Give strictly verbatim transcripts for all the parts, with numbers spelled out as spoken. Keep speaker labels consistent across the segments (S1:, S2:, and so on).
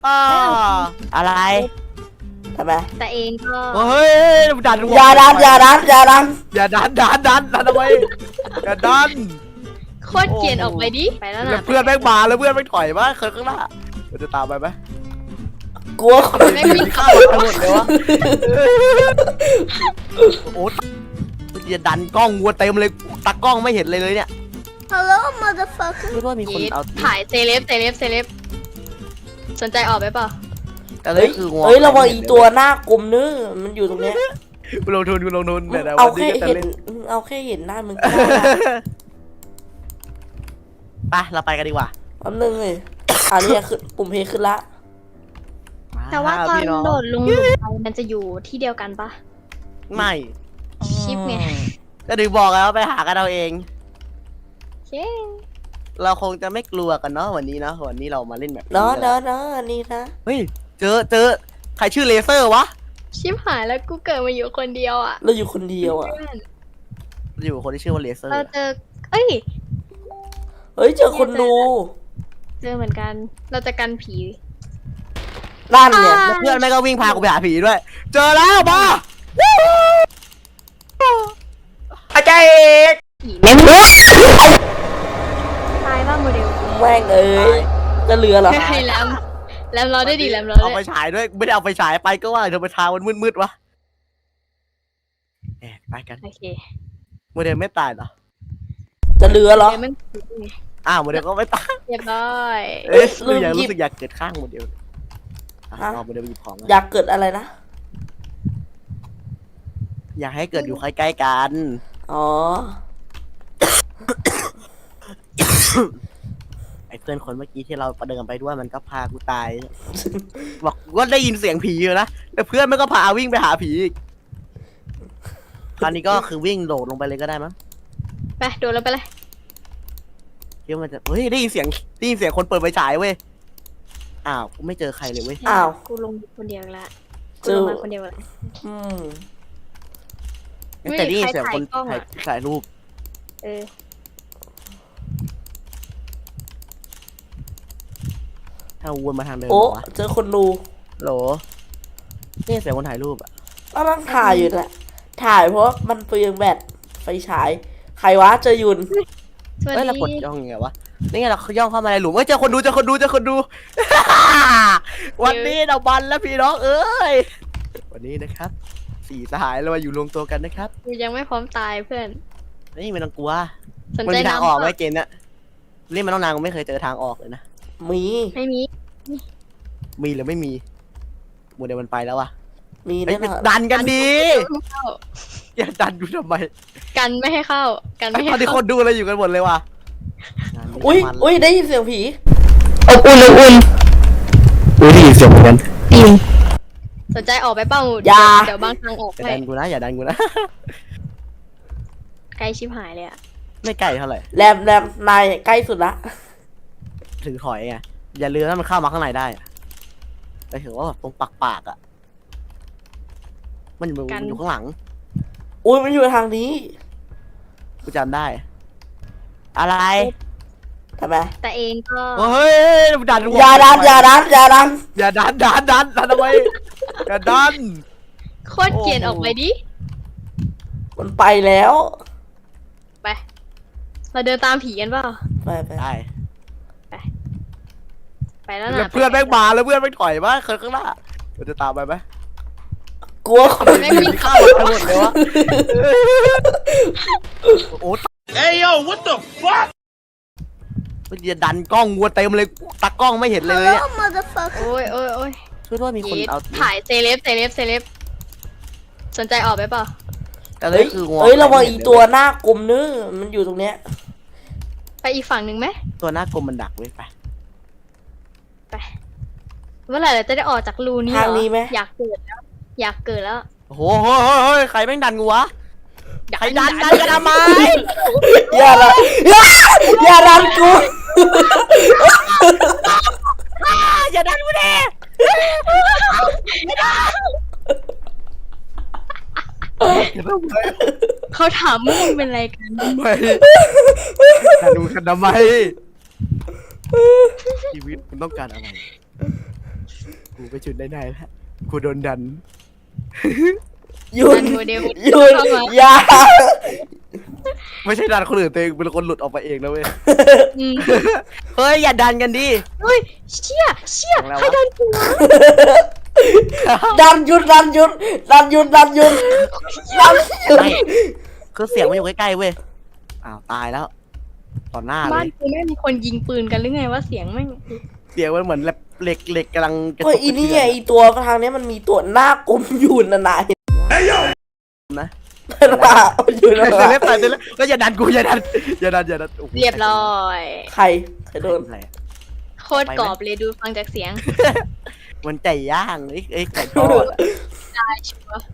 S1: อ่าอะไร
S2: ทำไม
S3: แต่เองก็
S1: เฮ้ยดัน
S2: อย่าดันอย่าดันอย่าดัน
S1: อย่าดันดันดันดันทำไมอย่าดัน
S3: โคตรเกลียดออกไปดิไปแล้ว
S1: แล้ว
S3: นะ
S1: เพื่อนแม่งมาแล้วเพื่อนแม่งถอยมาเคยข้างหน้าเราจะตามไปไหม
S2: กลัวคน
S3: แม่งวิ่งเข้า
S1: ไปหมดเลยวะโอ้ยดันกล้องวัวเต็มเลยตากล้องไม่เห็นเลยเลยเนี่ย
S4: Hello, motherfucker.
S1: ไม่รู้ว่ามีคนเอา
S3: ถ่ายเซเลบเซเลบเซเลบสนใจออกไปเปล่า
S1: แต่เล
S2: เฮ้
S1: ย
S2: ย
S1: คือ
S2: เฮ้ยระวังอีตัวหน้ากลมเนื้อมันอยู่ตรงเนี้ย
S1: กูลงทุนกูลงทุนแต่
S2: เอา
S1: วันนี้
S2: แค่
S1: ก็จะ
S2: เห็น
S1: เล่น
S2: เอาแค่เห็นหน้ามึงก็ได้ละ
S1: ไปเราไปกันดีกว่า
S2: แป๊บนึงเลยอันนี้ขึ้นปุ่มเพลย์ขึ้นละ
S3: แต่ว่าตอน
S1: พี่ง
S3: โดดลงหลุมไปมันจะอยู่ที่เดียวกันปะ
S1: ไม่
S3: ชิปไง
S1: ก็ถึงบอกแล้วไปหากันเอาเอง
S3: เย้
S1: เราคงจะไม่กลัวกันเนาะวันนี้เนาะวันนี้เรามาเล่นแบบ
S2: เนาะเนาะเนาะอันนี้นะ
S1: เฮ้ยเจอเจอใครชื่อเลเซอร์วะ
S3: ชิปหายแล้วกูเกิดมาอยู่คนเดียวอ่ะ
S2: เราอยู่คนเดียวอ่ะ
S3: เพื่อน
S1: อยู่คนที่ชื่อว่าเลเซอร์
S3: เราเจอเอ้ย
S2: เฮ้ยเจอคนดู
S3: เจอเหมือนกัน เราจะกันผี
S2: นั่นเนี่ย
S3: อ่า
S1: แล้วเพื่อนแม่งก็วิ่งพากูไปหาผีด้วย เจอแล้วมา อาจารย์เอก
S3: ผีแม่งตายบ้างโมเดล
S2: แม่งเอ้ยจะเหลือเหรอ
S3: ให้แลมแลมเราได้ดีแลมเรา
S1: เอา
S3: ได้
S1: ไปฉายด้วยไม่ได้เอาไปฉายไปก็ว่าเธอไปทางมันมืดๆวะแอบไปกัน
S3: โอเค
S1: โมเดลไม่ตายเหรอ
S2: จะเหลือเหรอ
S3: เดี๋ยวมัน
S1: อ้าวโมเดลก็ไม่ตาย
S3: เรียบร้อย
S1: เอ๊ะ
S2: ลื
S1: รู้
S2: ม
S1: อยาก
S2: หยิบ
S1: รู้สึกอยากเกิดข้างโมเดลอ่ะ
S2: ฮะ
S1: เอาโมเดลไปหยิบของ
S2: อยากเกิดอะไรนะ
S1: อยากให้เกิดอยู่ใกล้ๆกัน
S2: อ๋อ
S1: ไอ้เพื่อนคนเมื่อกี้ที่เราประเดินไปด้วยมันก็พากูตาย บอกว่าได้ยินเสียงผีอยู่นะแต่เพื่อนมันก็พาวิ่งไปหาผีอีกคราวนี้ก็คือวิ่งโดดลงไปเลยก็ได้มั้ง
S3: ไปโดนแล้วไปเลย
S1: คิดว่ามันจะเฮ้ยได้ยินเสียงได้ยินเสียงคนเปิดไฟฉายเว้ยอ้าวกูไม่เจอใครเลยเว้ย
S2: อ้าว
S3: กูลงคนเดียวละ
S2: เจ
S3: กู
S2: อ
S3: ลงมาคนเดียวละ
S2: อืม
S1: แต่ได้ยินเสียงคน
S3: ใครถ่ายกล้อง
S1: ถ่าย
S3: อะ
S1: ถ่ายรูป
S3: เออ
S1: ถ้าวนมาทางเดิม
S2: โอ้
S1: วะ
S2: เจอคนดู
S1: โหลนี่เสียงคนถ่ายรูปอะ
S2: ก็ต้องถ่ายอยู่แหละถ่ายเพราะมันเปลืองแบตไฟฉาย ใครวะเจอยุน
S3: สวัส
S1: เอ้ยเรากด
S3: ดี
S1: ย่องยังไงวะนี่ไงเราย่องเข้ามาในหลุมเอ้ยเจอคนดูเจอคนดูเจอคนดู วันนี้เราบันแล้วพี่น้องเอ้ยวันนี้นะครับสี่สหายเรามาอยู่รวมตัวกันนะครับ
S3: กูยังไม่พร้อมตายเพื่อน
S1: นี่ไม่ต้องกลัว
S3: สน
S1: มัน
S3: ใจ
S1: มีทางออกไหม
S3: น้ำ
S1: เกมเนี้ยเล่นมาต้องนานกูไม่เคยเจอทางออกเลยนะ
S2: มี
S3: ไม่มี
S1: มีหรือไม่มีโมเดลมันไปแล้วอะ
S2: มี
S1: เฮ้
S2: แน่
S1: ย
S2: นอน
S1: ดันกันดี
S3: ไม่เข้า
S1: อย่าดันดูทำไม
S3: กันไม่ให้เข้า กันไม่
S1: ต
S3: ให้
S1: อนนี้ค
S3: เข้าน
S1: ดูอะไรอยู่กันหมดเลยว่ะ
S2: อุ้ยอุ้ยได้ยินเสียงผี
S1: อบอุ่นอบอุ่นอุ้ยได้ยินเสียงเหมือนกัน
S3: สนใจออกไปเปล่า
S2: อย่า
S3: เดี๋ยวบางทางออก
S1: อย่า
S3: ให้
S1: ดันกูนะอย่าดันกูนะ
S3: ไกลชิบหายเลยอะ
S1: ไม่ใกล้เท่าไหร่
S2: แรมแรมนายใกล้สุดละ
S1: ถึงถอยไงอย่าลืมถ้ามันเข้ามาข้างในได้อะไปถือว่าแบบตรงปากปากๆอะมันอยู่มันอยู่ข้างหลัง
S2: อุ้ยมันอยู่ทางนี้
S1: กูจำได้ อะไร
S2: ทำไม
S3: แต่เองก็
S1: เฮ้ยดัน
S2: อย่าดันอย่าดันอย่าดัน
S1: อย่าดันดันดันดันทำไมอย่าดัน
S3: โคตรเกลียดออกไปดิ
S2: มันไปแล้ว
S3: ไป เราเดินตามผีกันเปล่า
S2: ไปไป
S1: ได้
S3: ไปแล้ว
S1: แล้ว
S3: นะ
S1: เพื่อนแม่งมาแล้วเพื่อนแม่งถอยมาเคยข้างหน้าเราจะตามไปไหม
S2: กลัวคน
S3: แม่งวิ่งเข้า
S1: ไปหมดเลยวะโอ้
S5: Hey yo, what the fuck?
S1: มันจะดันกล้องวัวเต็มเลยตากล้องไม่เห็นเลยเนี่ย
S4: Hello, motherfucker.
S3: โอ้ยโอ้ยโอ้ย
S1: ช่วยด้วยมีคนเอา
S3: ถ่ายเซเลบเซเลบเซเลบสนใจออกไปเปล่า
S1: แต่เล
S2: เฮ้
S1: ย
S2: ย
S1: คือ
S2: เฮ้ยระวังอีตัวหน้ากลมเนื้อมันอยู่ตรงเนี้ย
S3: ไปอีกฝั่งหนึ่งไหม
S1: ตัวหน้ากลมมันดักไว้ไป
S3: ไปเมื่อไหร่เราจะได้ออกจากรูนี้เหร
S2: ทาง
S3: อ
S2: นี้ไหม
S3: อยากเกิดแล้ว อยากเกิดแล้ว
S1: โอ้โหเฮ้ยเฮ้ยเฮ้ยใครแม่งดันกูวะ
S3: อยาก
S1: ใครดันดันกันทำไม
S2: อย่าดันอย่าอย่าดันกู
S1: อย่าดันกูดิ
S3: เขาถามว่ามึงเป็นอะไรกัน
S1: ทำไมดันกูกันทำไมชีวิตมันต้องการอะไรกูไปจุดได้ไหนแล้วกูโดนดัน
S2: ยุน
S3: ดันโมเดล
S2: ยุน
S3: เข้ามา
S2: อย่า
S1: ไม่ใช่ดันคนอื่นตัวเองเป็นคนหลุดออกไปเองนะเว้ย
S3: อืม
S1: เฮ้ยอย่าดันกันดิ
S3: เฮ้ยเชี่ยเชี่ย
S1: ของเรา
S3: ใคร
S1: วะ
S3: เดินกูวะ
S2: ดันยุนดันยุนดันยุนดันยุนดันยุน
S1: ไม่คือเสียงมันอยู่ใกล้ๆเว้ยอ้าวตายแล้วต่อหน้าเล
S3: บ้าน
S1: ย
S3: กูไม่มีคนยิงปืนกันหรือไงว่าเสียงไม่ง
S1: เสียงมันเหมือนเหล็กเหล็กกำลังกระ
S2: เฮ้ย
S1: ตุก
S2: อีนี่
S1: ก
S2: ไง
S1: ระ
S2: อีตัวทางเนี้ยมันมีตัวหน้ากลมอยู่นะนาย
S5: Hey yo!
S1: เทือนนะ
S2: หน้าอยู่นะ
S1: เซเลบตายเซเลบก็อย่าดันกูอย่าดันอย่าดันอย่าดันโอ้โห
S3: เรียบร้อย
S2: ใครใครโดน
S1: อะไรอะ
S3: โคตรกรอบเลยดูฟังจากเสียง
S1: มันไก่ย่างเอ้ยเอ้ยไก่ทอดอะ
S3: ได้ชัวร์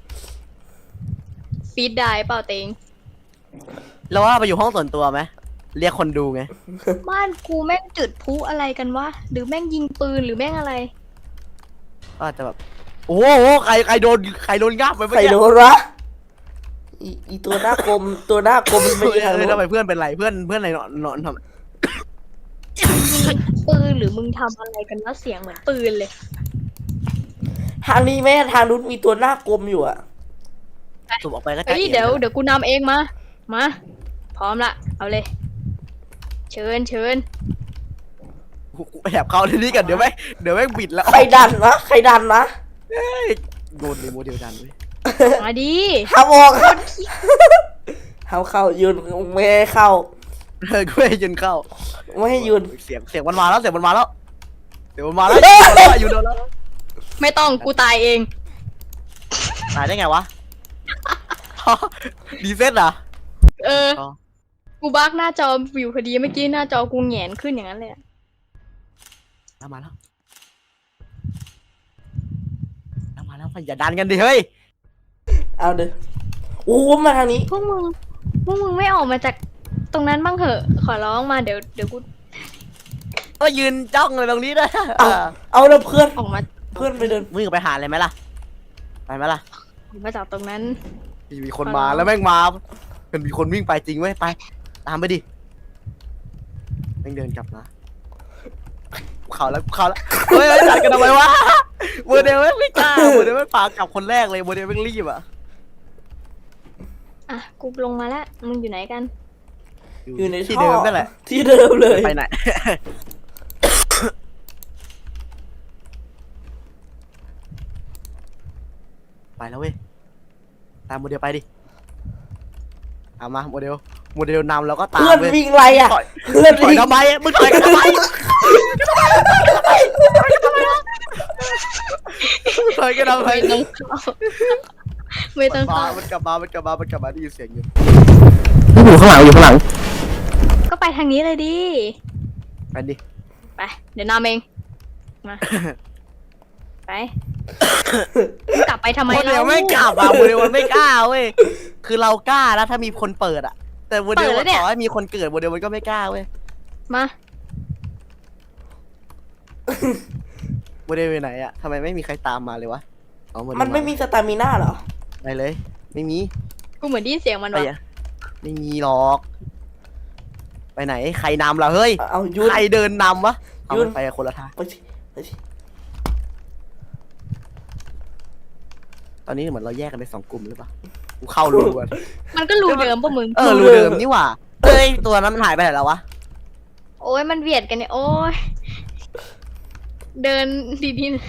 S3: ฟีดได้เปล่าเตง
S1: แล้วว่าไปอยู่ห้องส่วนตัวไหมเรียกคนดูไง
S3: บ้านกูแม่งจุดพลุอะไรกันวะหรือแม่งยิงปืนหรือแม่งอะไร
S1: ก็อาจจะแบบโอ้โหใครใครโดนใครโดนงับไป
S2: ใครโดนวะอีอีตัวหน้ากลมตัวหน้ากลมมัน
S1: เฮ้
S2: ไม่
S1: ย
S2: ใช่ทาง
S1: เฮ้ย
S2: โน้
S1: ทำไม
S2: น
S1: เพื่อนเป็นไรเพื่อนเพื่อนอะไรนอนนอนทำ
S3: ยิงปืนหรือมึงทำอะไรกันวะเสียงเหมือนปืนเลย
S2: ทางนี้แม่ทางนู้นมีตัวหน้ากลมอยู่อะ
S1: สูบออกไปก็จะ
S3: เฮ้ย
S1: อ็น
S3: เดี๋ยวเดี๋ยวกูนำเองมา มา พร้อมละเอาเลย เชิญเชิญ
S1: กูกูแอบเข้าที่นี่กันเดี๋ยวแม่งเดี๋ยวแม่งบิดแล้ว
S2: ใครดันวะใครดันวะ
S1: โดนดีโมเดลดันเว้ย
S3: มาดิ
S2: ห้ามออกห้ามเข้ายืนไม่ให้เข้า
S1: เออกูไม่ให้ยืนเข้า
S2: ไม่ให้ยืน
S1: เสียงเสียงมันมาแล้วเสียงมันมาแล้วเสียงมันมาแล้วอยู่โดนแล้วอยู่โดนแล้ว
S3: ไม่ต้องกูตายเอง
S1: ตายได้ไงวะ ดีเซ็ตเหรอ
S3: เออ
S1: อ๋อ
S3: กูบักหน้าจอวิวพอดีเมื่อกี้หน้าจอกูแหงนขึ้นอย่างนั้นเลยอะ
S1: แล้วมาแล้วแล้วมาแล้วอย่าดันกันดิเฮ้ย
S2: เอาเด้อโอ้มาทางนี้
S3: พวกมึงพวกมึงไม่ออกมาจากตรงนั้นบ้างเหอะ ขอร้องมาเดี๋ยวเดี๋ยวกู
S1: ก็ยืนจ้องเลยตรงนี้ด้วย
S2: เอาเอาแล้วเพื่อน
S3: ออกมา
S2: เพื่อนไปเดิน
S1: มึงไปหาเลยไหมล่ะไปไหมล่ะ
S3: ออกมาจากตรงนั้น
S1: มีคนมาแล้วแม่งมาเป็นมีคนวิ่งไปจริงเว้ยไปตามไปดิแม่งเดินกลับมาเขาแล้วเขาแล้วเฮ้ยดันกันทำไมวะโมเดลไม่กล้าโมเดลไม่ปากลับคนแรกเลยโมเดลไม่รีบอ่ะ
S3: อ่ะกูลงมาแล้วมึงอยู่ไหนกัน
S2: อยู่ใน
S1: ที่
S2: ท่อ
S1: เดิมนั่นแหละ
S2: ที่เดิมเลย
S1: ไปไหน ไปแล้วเว้ยตามโมเดลไปดิเอามาโมเดลโมเดลนำแล้วก็ตาม
S2: เพื่อน
S1: เว้ย
S2: วิ่งไรอะ
S1: ถอย
S2: เพื่อน
S1: ถอย
S2: วิ่ง
S1: ทำไมมึงถอยกันทำไมถอยกันทำไม
S3: ไม่ต้องเข้าไม่ต้อง
S1: มา
S3: เข้า
S1: มันกลับมา มันกลับมา มันกลับมาได้ยินเสียงอยู่อยู่ข้างหลังอยู่ข้างหลัง
S3: ก็ไปทางนี้เลยดิ
S1: ไปดิ
S3: ไป เดี๋ยวนำเอง มา ไปมึงกลับไปทำไม
S1: โมเดล
S3: เรา
S1: ไม่กลับอ่ะโมเดลมันไม่กล้าเว้ย คือเรากล้านะถ้ามีคนเปิดอ่ะ แต่โมเดลต่อให้มีคนเกิดโมเดลมันก็ไม่กล้าเว้ย
S3: มา
S1: โมเดลอยู่ไหนอ่ะทำไมไม่มีใครตามมาเลยวะอ๋อโเดล
S2: มันไม่มีสตามิน่าเหรอ
S1: ไปเลย ไม่มี
S3: กูเหมือนได้ยินเสียงมัน
S1: ไป
S3: วะ
S1: อ่ะไม่มีหรอก ไปไหน ใครนำล่ะเฮ้ย
S2: เอายุน
S1: ใครเดินนำวะเอา
S2: ยุ่น
S1: มันไปคนละทาง
S2: ไปสิไปสิ
S1: ตอนนี้เหมือนเราแยกกันเป็นสองกลุ่มหรือเปล่ากูเข้ารูก่อน
S3: มันก็รูเดิมปะมึง
S1: เออรูเดิมนี่หว่าเอ้ยตัวนั้นมันหายไปไหนแล้ววะ
S3: โอ้ยมันเบียดกันเนี่ย โอ้ย เดินดีๆ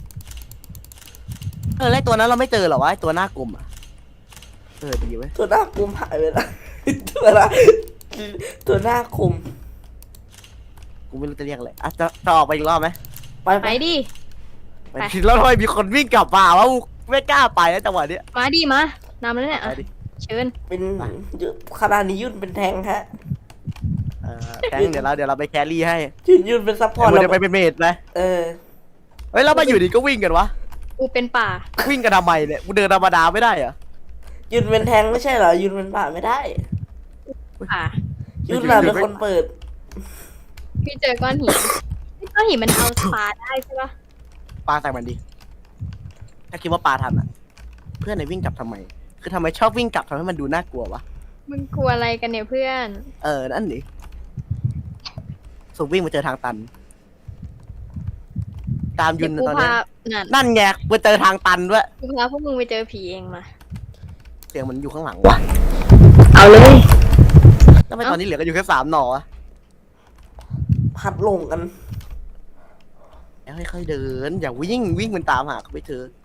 S1: เออแล้วไอ้ตัวนั้นเราไม่เจอเหรอวะไอ้ตัวหน้ากลมอ่ะเออดีเว้ย
S2: ตัวหน้ากลมหายไปแล้ว ตัวหน้าตัวหน้าคม
S1: กูไม่รู้จะเรียกอะไรอ่ะจะจะออกไปอีกรอบไหม
S2: ไป
S3: ไป
S2: ไป
S3: ดิ
S1: ไป
S3: ไป
S1: ดิแล้วทำไมมีคนวิ่งกลับมาวะกูไม่กล้าไปแล้วจังหวะเนี้ย
S3: มาดิมานำแล้วเนี่ย
S1: ไป
S3: อ่ะ
S1: ดิ
S3: เชิญ
S2: เป็นขนาดนี้ยุ่นเป็นแทงฮะ
S1: เออแทงเดี๋ยวเราเดี๋ยวเราไปแครี่ให้
S2: ยุ่นยุ่นเป็นซัพพอร์ต
S1: เดี๋ยว
S2: เรา
S1: ไปเป็นเมดไหม
S2: เออ
S1: เฮ้ยแล้วมาอยู่ดีก็วิ่งกันวะ
S3: กูเป็นป่า
S1: วิ่งกันทำไมเนี่ยกูเดินธรรมดาไม่ได้เหรอ
S2: ยุ่นเป็นแทงไม่ใช่เหรอยุ่นเป็นป่าไม่ได้
S3: ป่า
S2: ยุ่นน่ะเป็นคนเปิด
S3: พี่เจอก้อนหินก้อนหินมันเอาปลาได้ใช่ปะ
S1: ปลาใส่มันดิถ้าคิดว่าปลาทันอ่ะ เพื่อนในวิ่งกลับทำไม คือทำไมชอบวิ่งกลับทำให้มันดูน่ากลัววะ
S3: มึงกลัวอะไรกันเนี่ยเพื่อน
S1: เออนั่นดิสุวิ่งมาเจอทางตันตามยุ
S3: เดี๋ย
S1: น
S3: วกู
S1: ตอน
S3: พา
S1: เนี้ย
S3: นั่น
S1: นั่นไงกูเจอทางตันด้วย
S3: กูพาพวกมึงไปเจอผีเองมา
S1: เสียงมันอยู่ข้างหลังวะ
S3: เอาเลย
S1: ทำไมตอนนี้เหลือกันอยู่แค่สามหน่อวะ
S2: พัดลงกัน
S1: แล้วค่อยๆเดิน อย่าวิ่งวิ่งมันตามหาเขาไปเถอะ